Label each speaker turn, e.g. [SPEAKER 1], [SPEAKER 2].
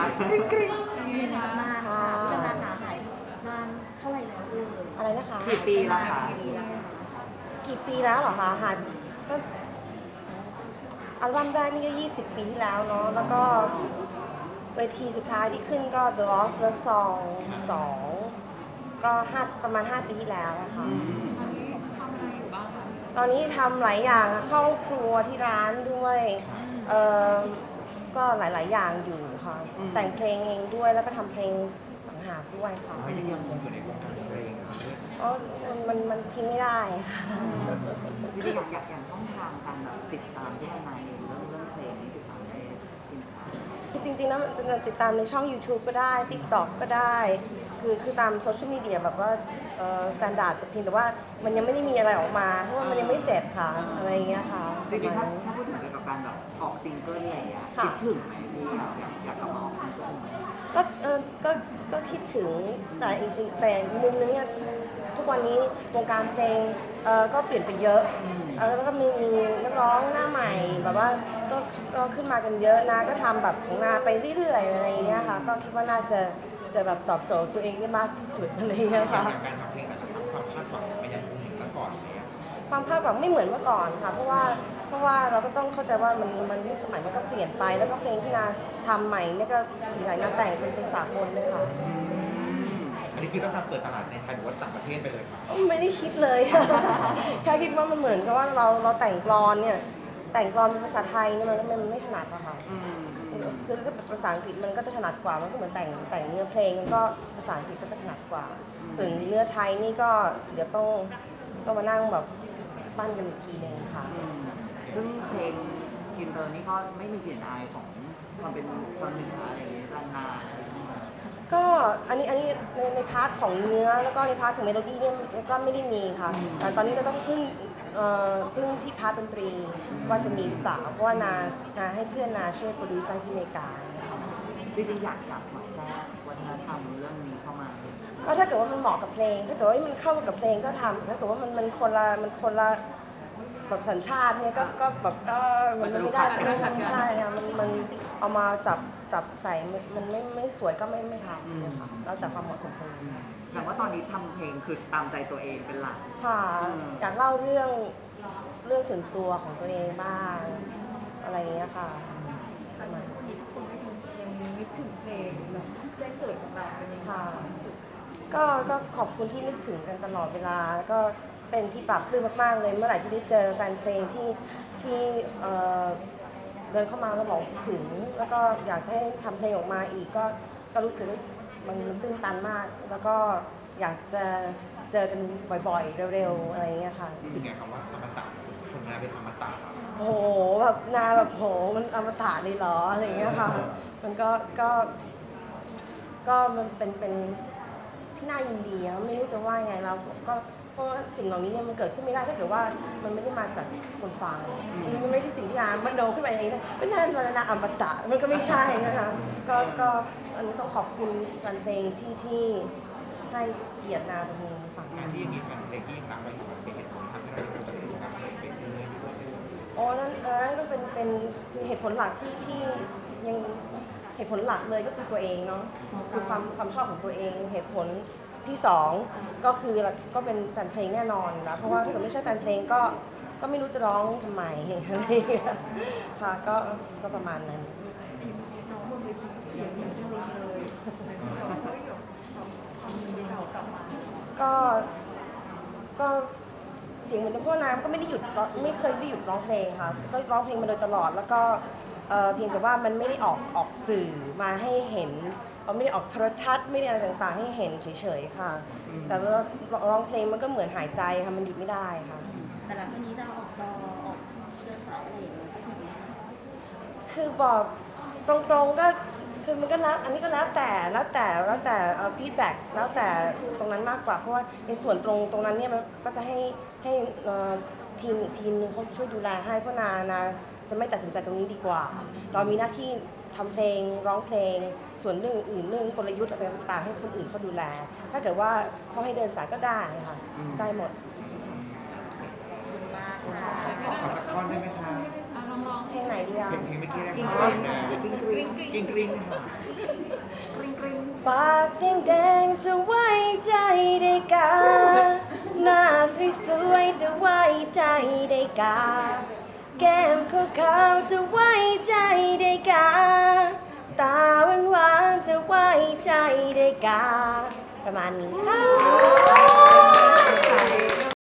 [SPEAKER 1] กริ๊งกริ๊ง
[SPEAKER 2] มีนานค่ะพี่นานาหายนานเท่าไหร่แล้ว
[SPEAKER 3] อะไรนะคะ
[SPEAKER 1] กี่ปีแล้วคะ
[SPEAKER 3] กี่ปีแล้วเหรอคะหายก็อัลบั้มแรกนี่ก็20 ปีที่แล้วเนาะแล้วก็เวทีสุดท้ายที่ขึ้นก็ The Lost Love Song 2ก็ประมาณ5 ปีที่แล้วอะค่ะตอนนี้ทำหลายอย่างเข้าครัวที่ร้านด้วยเอ่อก็หลายๆอย่างอยู่ค่ะแต่งเพลงเองด้วยแล้วก็ทำเพลงต่างหากด้วยค่ะ
[SPEAKER 4] ยังคงอยู่ในวงการเพลง
[SPEAKER 3] อ๋อมันทิ้งไม่ได้ค่ะ
[SPEAKER 1] จริงๆอย่างช่องทางการแบบติดตามที่ทนายเองเรื่องเพลงนี้ติดตามได้จริงค่ะ
[SPEAKER 3] คือจริงๆแล้วมันจะติดตามในช่อง YouTube ก็ได้ TikTok ก็ได้ คือตามโซเชียลมีเดียแบบว่าสแตนดาร์ดเพียงแต่ว่ามันยังไม่ได้มีอะไรออกมา เพราะว่ามันยังไม่เสร็จค่ะ อะไรอย่างเงี้ยค่ะ
[SPEAKER 1] จริงๆถ้าพูดถึงเกี่ยวกับการแบบออกซิงเกิลอะไรอย่างเงี้ยคิดถึงไหมที่อยากกลับมาออกซิงเกิลไหม
[SPEAKER 3] ก็ก็คิดถึงแต่อีกมุมนึงเนี่ยทุกวันนี้วงการเพลงก็เปลี่ยนไปเยอะแล้วก็มีนักร้องหน้าใหม่แบบว่าก็ขึ้นมากันเยอะนะก็ทำแบบของนาไปเรื่อยๆอะไรอย่างเงี้ยค่ะก็คิดว่าน่าจะแบบตอบโจทย์ตัวเองได้มากที่สุดอะไรอย่างเงี้ยค่ะ
[SPEAKER 4] การทำเพลงแต่ละครั้งความคาดหวังมันยังคงเหมือนเมื่อก่อนเลย
[SPEAKER 3] ความคาดหวังไม่เหมือนเมื่อก่อนค่ะเพราะว่าเราก็ต้องเข้าใจว่ามันยุคสมัยมันก็เปลี่ยนไปแล้วก็เพลงที่นาทำใหม่เนี่ยก็ส่วนใหญ่นาแต่งเป็นเพลงสากลเลยค่ะ
[SPEAKER 4] อันนี้คือต้องทำเปิดตลาดในไทยหรือว่าต่างประเทศไปเลยครับ
[SPEAKER 3] ไม่ได้คิดเลย แค่คิดว่ามันเหมือนกับว่าเราแต่งกลอนเนี่ยแต่งกลอนเป็นภาษาไทยเนี่ยมันไม่ถนัดอะค่ะคือถ้าเป็นภาษาอังกฤษมันก็จะถนัดกว่ามันก็เหมือนแต่งเนื้อเพลงมันก็ภาษาอังกฤษก็จะถนัดกว่า ส่วนเนื้อไทยนี่ก็เดี๋ยวต้องมานั่งแบบปั้นกันอีกทีนึงค่ะ
[SPEAKER 1] ซึ่งเพลงอินเตอร์นี่ก็ไม่มีกลิ่นอายของความเป็นชนเหนืออะไรอย่างเงี้ยล้านนาอะไรอย่างเงี้ย
[SPEAKER 3] ก็อันนี้ในพาร์ทของเนื้อแล้วก็ในพาร์ทของเมโลดี้เนี่ยก็ไม่ได้มีค่ะแต่ตอนนี้ก็ต้องพึ่งที่พาร์ทดนตรีว่าจะมีหรือเปล่าเพราะว่านาให้เพื่อนนาช่วยโปรดิวเซอร์ที่อเมริกาค่ะ
[SPEAKER 1] จริงๆอยากสอดแทรกวัฒนธรรมเรื่องนี้เข้ามา
[SPEAKER 3] ก็ถ้าเกิดว่ามันเหมาะกับเพลงถ้าเกิดว่ามันเข้ากับเพลงก็ทำถ้าเกิดว่ามันคนละแบบสัญชาติเนี่ยก็แบบมันไม่ได้ใช่ค่ะมันเอามาจับใส่มันไม่สวยก็ไม่ทำนะคะแล้วแต่ความเหมาะสมของเพลง
[SPEAKER 1] แสดงว่าตอนนี้ทำเพลงคือตามใจตัวเองเป็นหลัก
[SPEAKER 3] ค่ะอยากเล่าเรื่องส่วนตัวของตัวเองบ้างอะไรอย่างเงี้ยค่ะประมาณนั้น
[SPEAKER 2] ยังนึกถึงเพลงแบบแจ้งเกิดของเราเป็นยังไง
[SPEAKER 3] ค่ะก็ขอบคุณที่นึกถึงกันตลอดเวลาก็เป็นที่ปรับปลื้มมากๆเลยเมื่อไหร่ที่ได้เจอแฟนเพลงที่เดินเข้ามาแล้วบอกถึง แล้วก็อยากจะให้ทำเพลงออกมาอีกก็รู้สึกว่ามันตื้นตันมาก แล้วก็อยากจะเจอกันบ่อยๆเร็วๆอะไรอย่างเงี้ยค่ะ
[SPEAKER 4] รู้สึกไงคำว่าอมตะผลงานเป็นอมตะ
[SPEAKER 3] โอ้โหแบบนาแบบโหมันอมตะเลยเหรออะไรอย่างเงี้ยค่ะมันก็มันเป็นที่น่ายินดีอะไม่รู้จะว่าไงเราก็เพราะว่าสิ่งเหล่านี้เนี่ยมันเกิดขึ้นไม่ได้ถ้าเกิดว่ามันไม่ได้มาจากคนฟังมันไม่ใช่สิ่งที่นามโนขึ้นมาเองนะไม่น่าจะนาอมตะมันก็ไม่ใช่นะคะก็อันนี้ต้องขอบคุณแฟนเพลงที่ให้เกียรตินาตรงนี้ค่ะ
[SPEAKER 4] การที่ยังมีแฟนเพลงที่ยังรักเราอยู่เป็นเหตุผลทำให้เราอยู่กับวงการเพลงไปเรื่อยๆ
[SPEAKER 3] อ๋อนั่นก็เป็นเหตุผลหลักที่ยังเหตุผลหลักเลยก็คือตัวเองเนาะคือความชอบของตัวเองเหตุผลที่สองก็คือก็เป็นแฟนเพลงแน่นอนนะเพราะว่าถ้าเกิดไม่ใช่แฟนเพลงก็ไม่รู้จะร้องทำไมอะไรอย่างเงี้ยค่ะก็ประมาณนั้น
[SPEAKER 2] น้องบนเวทีเสียงเหมือนเพลงเลยเราเฮ้ยทำเพลงเก่ากลับมา
[SPEAKER 3] ก็เสียงเหมือนพ่อน้ำก็ไม่ได้หยุดไม่เคยได้หยุดร้องเพลงค่ะก็ร้องเพลงมาโดยตลอดแล้วก็เพียงแต่ว่ามันไม่ได้ออกสื่อมาให้เห็นไม่ได้ออกโทรทัศน์ไม่ได้อะไรต่างๆให้เห็นเฉยๆค่ะแต่ว่าร้องเพลงมันก็เหมือนหายใจค่ะมันหยุดไม่ได้ค่ะ
[SPEAKER 2] แต่หลังจากนี้จะออกจอออกเดินสายอะไรอย่างเงี้ยอีกไหมคะ
[SPEAKER 3] คือบอกตรงๆก็คือมันก็แล้วอันนี้ก็แล้วแต่ฟีดแบ็กแล้วแต่ตรงนั้นมากกว่าเพราะว่าในส่วนตรงนั้นเนี่ยมันก็จะให้ทีมอีกทีมนึงเขาช่วยดูแลให้เพราะนาจะไม่ตัดสินใจตรงนี้ดีกว่า เรามีหน้าที่ทำเพลงร้องเพลงส่วนเรื่องอื่นเรื่องกลยุทธ์อะไรต่างๆให้คนอื่นเขาดูแล ถ้าเกิดว่าเขาให้เดินสายก็ได้ค่ะได้หมด
[SPEAKER 2] มากค่ะ
[SPEAKER 4] ขอสักท่อนได้ไหมคะ
[SPEAKER 5] ลอง
[SPEAKER 3] เพลงไหนดีอ่ะ
[SPEAKER 4] เพลงเมื่อกี้นะ
[SPEAKER 1] กิ้ง
[SPEAKER 4] คะ
[SPEAKER 1] กริ้งกิ้งกริ้งค่ะกริ้งกริ้ง
[SPEAKER 3] ปากแดงๆจะไว้ใจได้กาหน้าสวยๆจะไว้ใจได้กาแก้มขาวๆจะไว้ใจได้กาตาหวานๆจะไว้ใจได้กาประมาณนี้ค่ะ